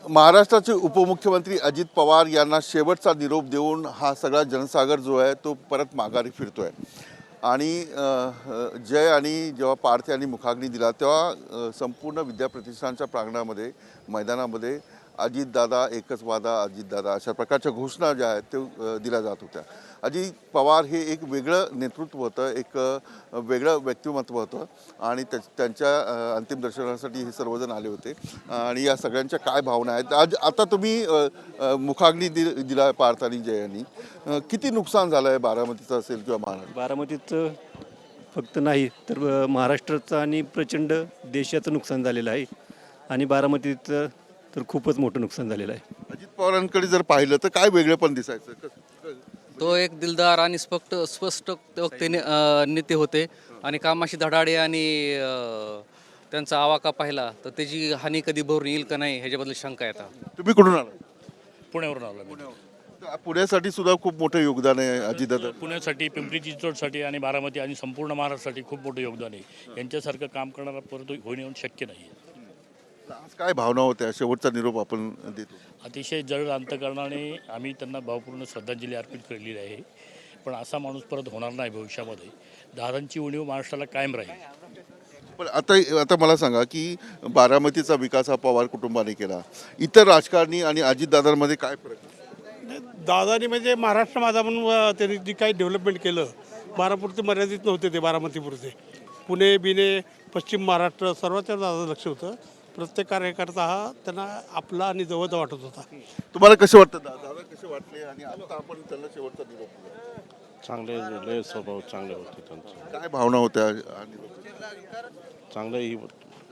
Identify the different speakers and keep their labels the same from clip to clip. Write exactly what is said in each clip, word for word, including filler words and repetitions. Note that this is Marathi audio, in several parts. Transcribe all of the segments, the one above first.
Speaker 1: महाराष्ट्राचे उपमुख्यमंत्री अजित पवार यांना शेवटचा निरोप देऊन हा सगळा जनसागर जो आहे तो परत माघारी फिरतोय आणि जय आणि जेव्हा पार्थ यांनी मुखाग्नी दिला तेव्हा संपूर्ण विद्याप्रतिष्ठानच्या प्रांगणामध्ये मैदानामध्ये अजितदादा एकच वादा अजितदादा अशा प्रकारच्या घोषणा ज्या आहेत ते दिल्या जात होत्या। अजित पवार हे एक वेगळं नेतृत्व होतं, एक वेगळं व्यक्तिमत्व होतं आणि त्यांच्या अंतिम दर्शनासाठी हे सर्वजण आले होते आणि या सगळ्यांच्या काय भावना आहेत आज आता तुम्ही मुखाग्नी दि दिला पार्थ आणि जय यांनी किती नुकसान झालं आहे बारामतीचं असेल किंवा महाराष्ट्र?
Speaker 2: बारामतीचं फक्त नाही तर महाराष्ट्राचं आणि प्रचंड देशाचं नुकसान झालेलं आहे आणि बारामतीचं तर खूपच मोठं नुकसान झालेलं आहे।
Speaker 1: अजित पवारांकडे जर पाहिलं तर काय वेगळं पण दिसायचं?
Speaker 3: तो एक दिलदार आणि स्पष्ट स्पष्ट वक्तेने नेते होते आणि कामाशी धडाडे आणि त्यांचा आवाका पाहिला तर त्याची हानी कधी भरून येईल का नाही ह्याच्याबद्दल शंका येतात।
Speaker 1: तुम्ही कुठून आला?
Speaker 4: पुण्यावरून आला।
Speaker 1: पुण्यासाठी सुद्धा खूप मोठं योगदान आहे अजितदादा।
Speaker 4: पुण्यासाठी, पिंपरी चिंचवडसाठी आणि बारामती आणि संपूर्ण महाराष्ट्रासाठी खूप मोठं योगदान आहे। यांच्यासारखं काम करणारा परत होणे शक्य नाही।
Speaker 1: आज काय भावना होत्या? शेवटचा निरोप आपण देतो।
Speaker 4: अतिशय जड अंतकरणाने आम्ही त्यांना भावपूर्ण श्रद्धांजली अर्पित केलेली आहे, पण असा माणूस परत होणार नाही भविष्यामध्ये। दादांची उणीव महाराष्ट्राला कायम राहील।
Speaker 1: पण आता आता मला सांगा की बारामतीचा विकास हा पवार कुटुंबाने केला, इतर राजकारणी आणि अजितदादांमध्ये काय फरक आहे?
Speaker 5: दादानी म्हणजे महाराष्ट्र माझा म्हणून त्यांनी जे काही डेव्हलपमेंट केलं बारापुरते मर्यादित नव्हते ते, बारामतीपुरते पुणे बिणे पश्चिम महाराष्ट्र सर्वांच्या दादा लक्ष होतं। प्रत्येक कार्यकर्ता हा त्यांना आपला आणि जवळचा वाटत होता।
Speaker 1: तुम्हाला कसं वाटतं दादा कसे वाटले आणि आता आपण त्यांना शेवटचा निरोप दिला?
Speaker 6: चांगले लय स्वभाव चांगले होते त्यांचे।
Speaker 1: काय भावना होत्या?
Speaker 6: चांगलं ही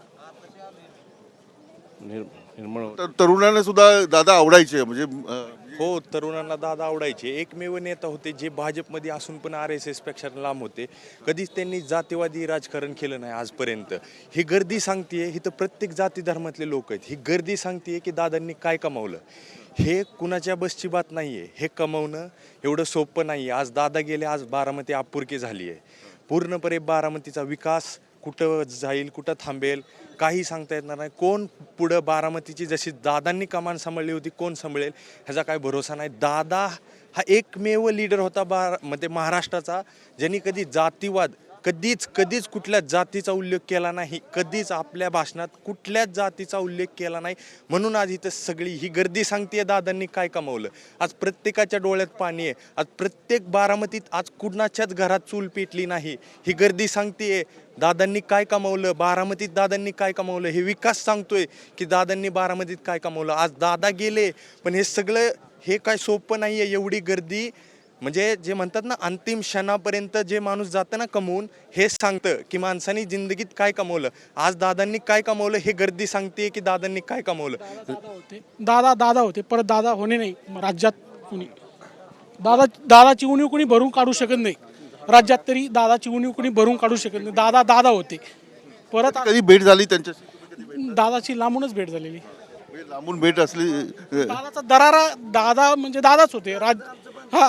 Speaker 6: निर्मळ
Speaker 1: तर तरुणांना सुद्धा दादा आवडायचे म्हणजे
Speaker 7: हो, तरुणांना दादा आवडायचे। एकमेव नेता होते जे भाजपमध्ये असून पण आर एस एस पेक्षा लांब होते। कधीच त्यांनी जातीवादी राजकारण केलं नाही आजपर्यंत। ही गर्दी सांगतेय ही तर प्रत्येक जाती धर्मातले लोक आहेत। ही गर्दी सांगतेय की दादांनी काय कमावलं। हे कुणाच्या बसची बात नाही आहे, हे कमवणं एवढं सोपं नाही आहे। आज दादा गेले, आज बारामती अपुरकी झाली आहे। पूर्णपणे बारामतीचा विकास कुठं जाईल कुठं थांबेल काही सांगता येणार नाही। कोण पुढं बारामतीची जशी दादांनी कमान सांभाळली होती कोण सांभाळेल ह्याचा काय भरोसा नाही। दादा हा एकमेव लीडर होता बारा म्हणजे महाराष्ट्राचा ज्यांनी कधी जातीवाद कधीच कधीच कुठल्या जातीचा उल्लेख केला नाही, कधीच आपल्या भाषणात कुठल्याच जातीचा उल्लेख केला नाही। म्हणून आज इथं सगळी ही गर्दी सांगते दादांनी काय कमावलं। आज प्रत्येकाच्या डोळ्यात पाणी आहे। आज प्रत्येक बारामतीत आज कुणाच्याच घरात चूल पेटली नाही। ही गर्दी सांगते दादांनी काय कमावलं, बारामतीत दादांनी काय कमावलं। हे विकास सांगतोय की दादांनी बारामतीत काय कमावलं। आज दादा गेले पण हे सगळं हे काय सोपं नाही आहे। एवढी गर्दी म्हणजे जे म्हणतात ना अंतिम क्षणापर्यंत जे माणूस जातं ना कमवून, हे सांगतं की माणसाने जिंदगीत काय कमवलं। आज दादांनी काय कमवलं हे गर्दी सांगते की दादांनी काय कमवलं।
Speaker 5: दादा होते दादा दादा होते परत दादा होणे नाही राज्यात कुणी। दादा दादाची उणीव कुणी भरून काढू शकत नाही राज्यात, तरी दादाची उणीव कुणी भरून काढू शकत नाही। दादा दादा होते परत
Speaker 1: कधी भेट झाली त्यांच्याशी?
Speaker 5: दादाची लांबूनच भेट झालेली।
Speaker 1: लांबून भेट असली
Speaker 5: दादाचा दरारा दादा म्हणजे दादाच होते राज हा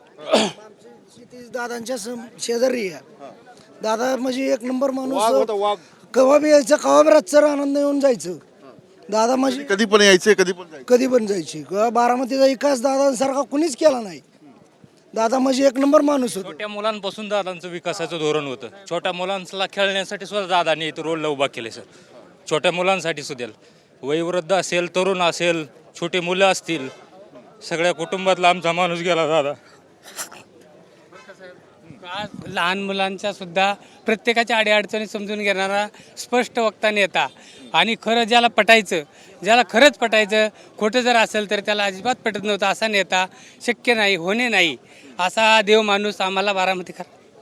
Speaker 8: दादांच्या शेजारी आहे। दादा म्हणजे एक नंबर माणूस, कवा बी यायचं कवा बी रातचं आनंद येऊन जायचं। दादा म्हणजे
Speaker 1: कधी पण यायचे कधी पण जायचे
Speaker 8: कधी पण जायची। बारामतीचा विकास दादांसारखा कुणीच केला नाही। दादा म्हणजे एक नंबर माणूस होता।
Speaker 9: छोट्या मुलांपासून दादांचं विकासाचं धोरण होतं। छोट्या मुलांना खेळण्यासाठी सुद्धा दादांनी इथं रोडला उभा केले सर। छोट्या मुलांसाठी सुद्धा वयोवृद्ध असेल, तरुण असेल, छोटे मुलं असतील, सगळ्या कुटुंबातला आमचा माणूस गेला दादा।
Speaker 10: लहान मुलांच्या सुद्धा प्रत्येकाच्या अडीअडचणी समजून घेणारा स्पष्ट वक्ता नेता आणि खरं ज्याला पटायचं ज्याला खरंच पटायचं खोटं जर असेल तर त्याला अजिबात पटत नव्हतं असा नेता शक्य नाही होणे नाही असा देव माणूस आम्हाला बारामतीकर।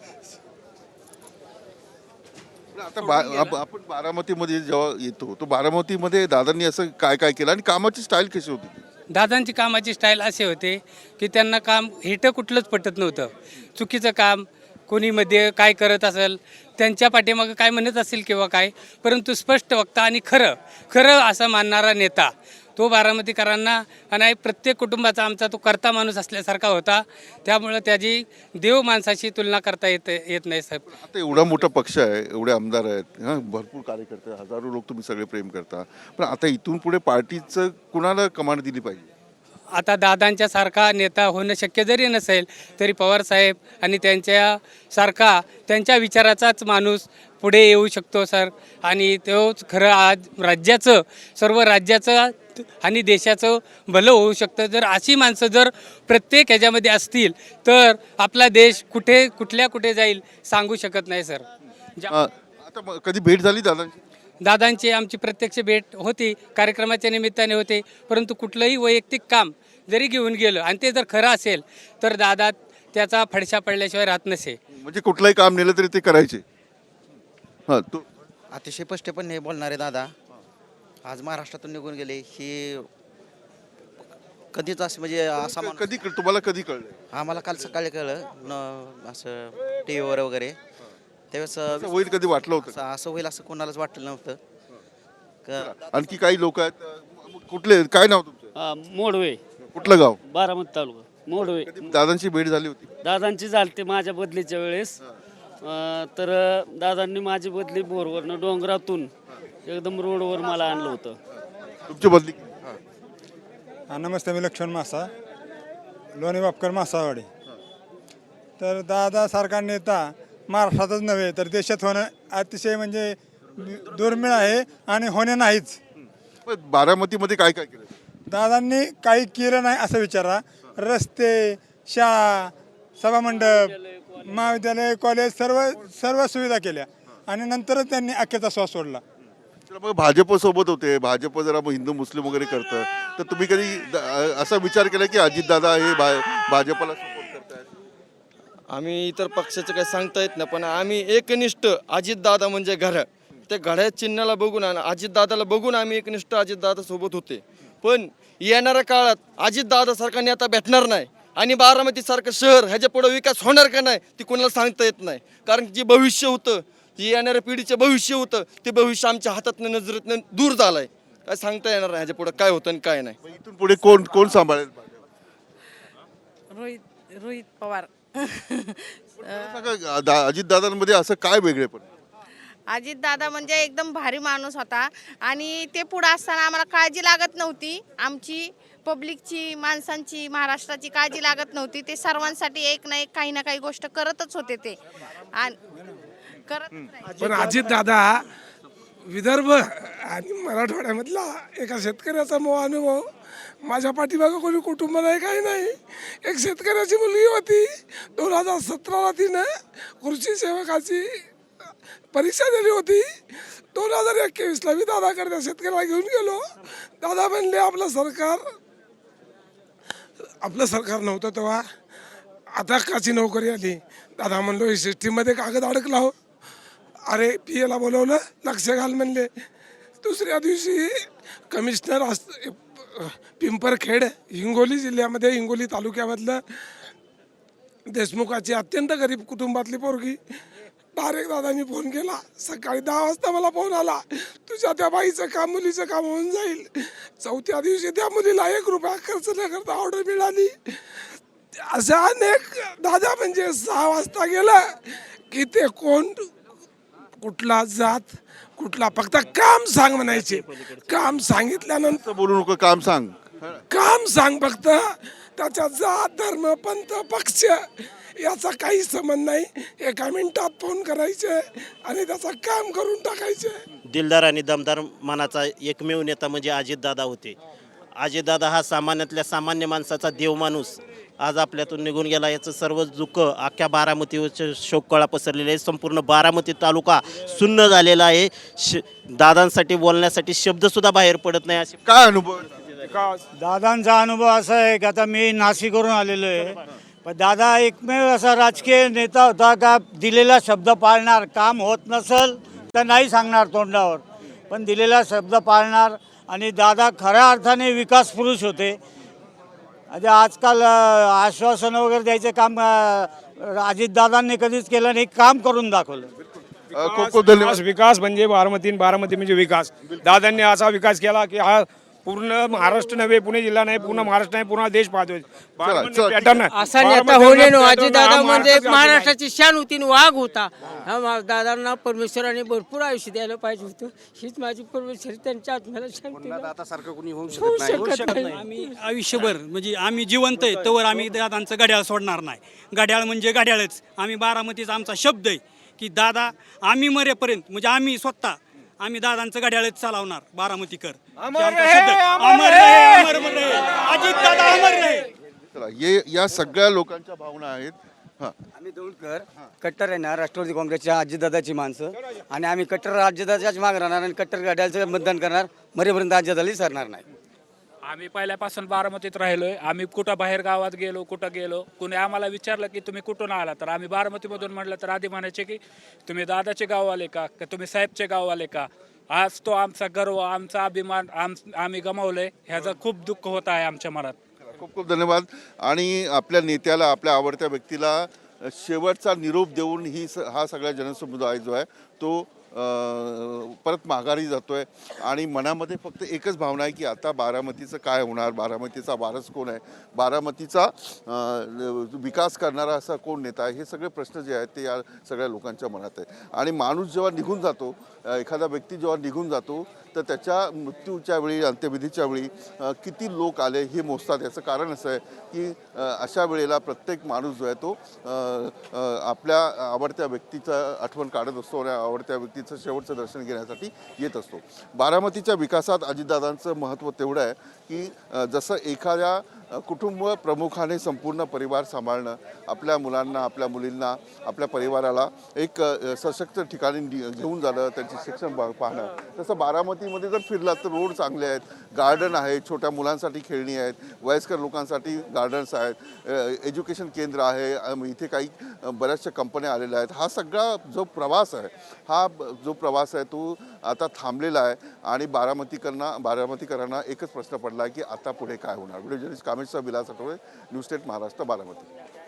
Speaker 1: आता आपण बारामतीमध्ये जेव्हा येतो तो बारामतीमध्ये दादांनी असं काय काय केलं आणि कामाची स्टाईल कशी होती?
Speaker 10: दादांची कामाची स्टाईल असे होते की त्यांना काम हेटं कुठलंच पटत नव्हतं। चुकीचं काम कोणी मध्ये काय करत असेल त्यांच्या पाठीमागं काय म्हणत असेल किंवा काय, परंतु स्पष्ट वक्ता आणि खरं खरं असं मानणारा नेता तो बारामतीकरांना आणि प्रत्येक कुटुंबाचा आमचा तो कर्ता माणूस असल्यासारखा होता. त्यामुळं त्याची देव माणसाशी तुलना करता येत येत नाही साहेब.
Speaker 1: आता एवढा मोठा पक्ष आहे, एवढे आमदार आहेत, हां भरपूर कार्यकर्ते, हजारो लोक तुम्ही सगळे प्रेम करता, पण आता इथून पुढे पार्टीचं कुणाला कमांड दिली पाहिजे?
Speaker 10: आता दादांच्या सारखा नेता होणं शक्य जरी नसेल तरी पवारसाहेब आणि त्यांच्या सारखा त्यांच्या विचाराचाच माणूस पुढे येऊ शकतो सर. आणि तोच खरं आज राज्याचं सर्व राज्याचं आणि देशाचं भलं होऊ शकतं. जर अशी माणसं जर प्रत्येक ह्याच्यामध्ये असतील तर आपला देश कुठे कुठल्या कुठे जाईल सांगू शकत नाही सर.
Speaker 1: अं, आता मग कधी भेट झाली दादांची?
Speaker 10: दादांची आमची प्रत्यक्ष भेट होती, कार्यक्रमाच्या निमित्ताने होते, परंतु कुठलंही वैयक्तिक काम जरी घेऊन गेलं आणि ते जर खरं असेल तर दादा त्याचा फडशा पडल्याशिवाय राहत नसे.
Speaker 1: म्हणजे कुठलंही काम नेलं तरी ते करायचे. हां तू
Speaker 11: अतिशय स्पष्टपणे बोलणारे दादा आज महाराष्ट्रातून निघून गेले ही कधीच असं म्हणजे असा माणूस-
Speaker 1: कधी तुम्हाला कधी कळलं?
Speaker 11: आम्हाला काल सकाळी कळलं न असं टी व्हीवर वगैरे त्यावेळेस
Speaker 1: असं होईल कधी वाटलं होतं?
Speaker 11: असं असं होईल असं कोणालाच वाटलं नव्हतं. क-
Speaker 1: आणखी काही लोक आहेत, अं, कुठले, काय नाव तुमचं?
Speaker 12: मोडवे,
Speaker 1: कुठलं गाव?
Speaker 12: बारामती तालुका मोडवे.
Speaker 1: दादांची भेट झाली होती?
Speaker 12: दादांची झालते माझ्या बदलीच्या वेळेस. अं, तर दादांनी माझी बदली बोरवरनं डोंगरातून एकदम रोडवर मला आणलं होतं.
Speaker 1: तुमची बदली?
Speaker 5: हा, नमस्ते, मी लक्ष्मण मासा, लोणी वापकर मासावाडी. तर दादासारखा नेता महाराष्ट्रातच नव्हे तर देशात होणं अतिशय म्हणजे दुर्मिळ आहे आणि होणे नाहीच.
Speaker 1: पण बारामतीमध्ये काय काय केलं?
Speaker 5: दादांनी काही केलं नाही असं विचारा. रस्ते, शाळा, सभामंडप, महाविद्यालय, कॉलेज सर्व सर्व सुविधा केल्या आणि नंतरच त्यांनी अखेरचा श्वास सोडला.
Speaker 1: तर मग भाजप सोबत होते, भाजप जरा मग हिंदू मुस्लिम वगैरे करतं, तर तुम्ही कधी द- असा विचार केला की अजितदादा हे भा भाजपला सपोर्ट करतायत?
Speaker 11: आम्ही इतर पक्षाचं काही सांगता येत नाही, पण आम्ही एकनिष्ठ अजितदादा म्हणजे घड्याळ, त्या घड्याळ चिन्हाला बघून आणि अजितदादाला बघून आम्ही एकनिष्ठ अजितदादा सोबत होते. पण येणाऱ्या काळात अजितदादासारखा नेता भेटणार नाही आणि बारामतीसारखं शहर ह्याच्या पुढे विकास होणार का नाही ते कोणाला सांगता येत नाही. कारण जे भविष्य होतं, जे येणाऱ्या पिढीचं भविष्य होतं, ते भविष्य आमच्या हातातनं नजरेतनं दूर झालं आहे. काय सांगता येणार नाही ह्याच्या पुढे काय होतं आणि काय नाही.
Speaker 1: मग इथून पुढे कोण कोण सांभाळेल?
Speaker 13: रोहित रोहित पवार.
Speaker 1: अजितदादांमध्ये असं काय वेगळे पण?
Speaker 13: अजित दादा म्हणजे एकदम भारी माणूस होता आणि ते पुढं असताना आम्हाला काळजी लागत नव्हती. आमची पब्लिकची, माणसांची, महाराष्ट्राची काळजी लागत नव्हती. ते सर्वांसाठी एक ना एक काही ना काही गोष्ट करतच होते ते आणि करत.
Speaker 5: पण अजित दादा विदर्भ आणि मराठवाड्यामधला एका शेतकऱ्याचा मो अनुभव. माझ्या पाठीमागं कोणी कुटुंब नाही, काही नाही. एक शेतकऱ्याची मुलगी होती, दोन हजार सतराला तिनं कृषी सेवकाची परीक्षा दिली होती. दोन हजार एकवीसला मी दादाकडे त्या शेतकऱ्याला घेऊन गेलो. दादा म्हणले आपलं सरकार आपलं सरकार नव्हतं तेव्हा, आता काची नोकरी आली. दादा म्हणलो ही सिस्टीममध्ये कागद अडकला हो. अरे पी एला बोलवलं, लक्ष घाल म्हणले. दुसऱ्या दिवशी कमिशनर अस पिंपरखेड हिंगोली जिल्ह्यामध्ये, हिंगोली तालुक्यामधलं देशमुखाची अत्यंत गरीब कुटुंबातली पोरगी. डायरेक्ट दादांनी फोन केला, सकाळी दहा वाजता मला फोन आला, तुझ्या त्या बाईचं काम, मुलीचं काम होऊन जाईल. चौथ्या दिवशी त्या मुलीला एक रुपया खर्च न करता ऑर्डर मिळाली. अशा अनेक दादा म्हणजे सहा वाजता गेलं की ते कोण, कुठला जात, कुठला, फक्त काम सांग म्हणायचे. काम सांगितल्यानंतर
Speaker 1: बोलू नको, काम सांग,
Speaker 5: काम सांग फक्त. त्याच्या जात, धर्म, पंथ, पक्ष याचा काही संबंध नाही. एका मिनिटात फोन करायचे आणि त्याचं काम करून टाकायचे.
Speaker 12: दिलदार आणि दमदार मनाचा एकमेव नेता म्हणजे अजितदादा होते. अजितदादा हा सामान्यातल्या सामान्य माणसाचा देव माणूस आज आपल्यातून निघून गेला. याचं सर्व दुःख अख्ख्या बारामतीवरचे शोककळा पसरलेले आहे. संपूर्ण बारामती तालुका सुन्न झालेला आहे. श दादांसाठी बोलण्यासाठी शब्दसुद्धा बाहेर पडत नाही. असे
Speaker 1: काय अनुभव?
Speaker 2: दादांचा अनुभव असा आहे की आता मी नाशिकवरून आलेलो आहे, पण दादा एकमेव असा राजकीय नेता होता का दिलेला शब्द पाळणार. काम होत नसेल तर नाही सांगणार तोंडावर, पण दिलेला शब्द पाळणार. आणि दादा खऱ्या अर्थाने विकास पुरुष होते. म्हणजे आजकाल आश्वासन वगैरे द्यायचे काम अजितदादांनी कधीच केलं नाही, काम करून दाखवलं.
Speaker 1: खूप खूप धन्यवाद.
Speaker 5: विकास म्हणजे बारामती, बारामती म्हणजे विकास. दादांनी असा विकास केला की हा पूर्ण महाराष्ट्र नव्हे, पुणे जिल्हा नाही, पूर्ण महाराष्ट्र नाही, पूर्ण देश पाहतोय. बारामती
Speaker 1: चला,
Speaker 5: पॅटर्न आहे.
Speaker 2: असा नेता
Speaker 5: बारामती
Speaker 2: होणे
Speaker 5: पॅटर्न
Speaker 2: अजित दादा
Speaker 5: हा
Speaker 2: म्हणजे
Speaker 5: महाराष्ट्राचा
Speaker 2: महाराष्ट्राची शान होती आणि वाघ होता. हा मा- दादांना परमेश्वराने भरपूर आयुष्य द्यायला पाहिजे होतं. हीच माझी परमेश्वर त्यांच्या आत्म्याला शांती द्यावी. होऊ शकत नाही.
Speaker 10: आम्ही आयुष्यभर म्हणजे आम्ही जिवंत आहे तोवर आम्ही दादांचं घड्याळ सोडणार नाही. घड्याळ म्हणजे घड्याळच. आम्ही बारामतीचा आमचा शब्द आहे की दादा आम्ही मरेपर्यंत म्हणजे आम्ही स्वतः आम्ही दादांचं घड्याळच चालवणार. बारामतीकर अमर रहे, अमर रहे, अजित दादा अमर रहे.
Speaker 1: चला ये या सगळ्या लोकांच्या भावना आहेत. हां
Speaker 2: आम्ही दौंडकर कट्टर आहे ना राष्ट्रवादी काँग्रेसच्या अजितदादाची माणसं आणि आम्ही कट्टर अजितदादाच्याच मागे राहणार आणि कट्टर गाड्याचं मतदान करणार. मरेपर्यंत अजितदादाही सरणार नाही.
Speaker 9: आम्ही पहिल्यापासून बारामतीत राहिलोय. आम्ही कुठं बाहेर गावात गेलो, कुठं गेलो, कुणी आम्हाला विचारलं की तुम्ही कुठून आला, तर आम्ही बारामतीमधून म्हटलं तर आधी म्हणायचे की तुम्ही दादाचे गाववाले का, का तुम्ही साहेबचे गाववाले का. आज तो आमचा गर्व, आमचा अभिमान आम आम्ही गमावलंय, ह्याचं खूप दुःख होत आहे आमच्या मनात.
Speaker 1: खूप खूप धन्यवाद. आणि आपल्या नेत्याला, आपल्या आवडत्या व्यक्तीला शेवटचा निरोप देऊन ही स हा सगळा जनसमुदाय जो आहे तो अ, परत माघारी जातो आहे. आणि मनामध्ये फक्त एकच भावना आहे की आता बारामतीचं काय होणार, बारामतीचा वारस कोण आहे, बारामतीचा अ, विकास करणारा असा कोण नेता आहे, हे सगळे प्रश्न जे आहेत ते या सगळ्या लोकांच्या मनात आहे. आणि माणूस जेव्हा निघून जातो, अ, एखादा व्यक्ती जेव्हा निघून जातो तर त्याच्या मृत्यूच्या वेळी, अंत्यविधीच्या वेळी अ, किती लोक आले हे मोजतात. याचं कारण असं आहे की अ, अशा वेळेला प्रत्येक माणूस जो आहे तो अ, अ, आपल्या आवडत्या व्यक्तीचं आठवण काढत असतो आणि आवडत्या व्यक्तीचं शेवटचं दर्शन घेण्यासाठी येत असतो. बारामतीच्या विकासात अजितदादांचं महत्त्व तेवढं आहे की अ, जसं एखाद्या अ, कुटुंब प्रमुखाने संपूर्ण परिवार सांभाळणं, आपल्या मुलांना, आपल्या मुलींना, आपल्या परिवाराला एक अ, सशक्त ठिकाणी नि- घेऊन जाणं, त्यांचे शिक्षण पा- पाहणं, तसं बारामतीमध्ये जर फिरलात तर रोड चांगले आहेत, गार्डन आहे, छोट्या मुलांसाठी खेळणी आहेत, वयस्कर लोकांसाठी गार्डन्स आहेत, अ, एज्युकेशन केंद्र आहे, अम, इथे काही अ, बऱ्याचशा कंपन्या आलेल्या आहेत. हा सगळा जो प्रवास आहे, हा ब- जो प्रवास आहे तो आता थांबलेला आहे. आणि बारामतीकरांना बारामतीकरांना एकच प्रश्न पडला आहे की आता पुढे काय होणार. व्हिडिओ जर्नलिस्ट कामेशचा विलास आठवडे, न्यूज स्टेट महाराष्ट्र, बारामती.